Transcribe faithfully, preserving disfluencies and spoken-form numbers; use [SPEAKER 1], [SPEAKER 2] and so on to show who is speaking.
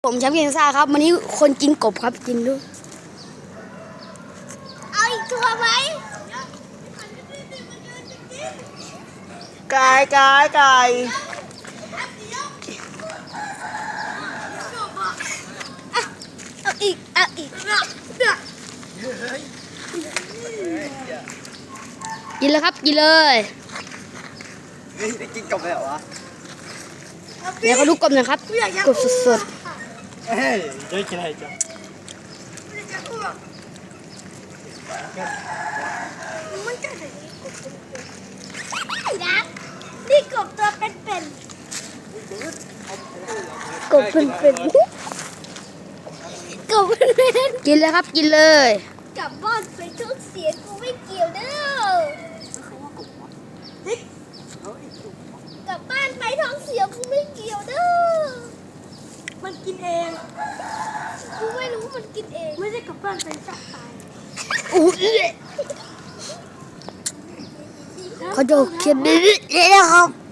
[SPEAKER 1] ผมแชมป์เกมซ่าครับวันนี้คนกินกบครับกินดู
[SPEAKER 2] เอาอีกตัวไหม
[SPEAKER 3] ไก่ไก่ไก่
[SPEAKER 2] เอาอีกเอาอีก
[SPEAKER 1] กินเลยครับกินเลย
[SPEAKER 3] เฮ้ยได้กินกบเลยเหรอวะ
[SPEAKER 1] เดี๋ยวเขาดูกบหน่อยครับกบสด
[SPEAKER 3] เฮ้ยได้กินอะไรจ้ะ
[SPEAKER 2] มันจะแบบนี้กบเป็นๆนะนี่กบตัวเป็น
[SPEAKER 1] ๆกบเป็นเป็นกบเป็นกินเลยครับกินเลย
[SPEAKER 2] ๆกลับบ้านไปทุกเสียงกูไม่เกี่ยวเด้อกลับบ้านไปท้องเสียกูไม่เกี่ยวเด้อมันกินเองกูไม่รู้มันกินเองไม่ได้กลับบ้านไปจับตาย
[SPEAKER 1] อู้ยเขาจะเขียนนี้นะครับ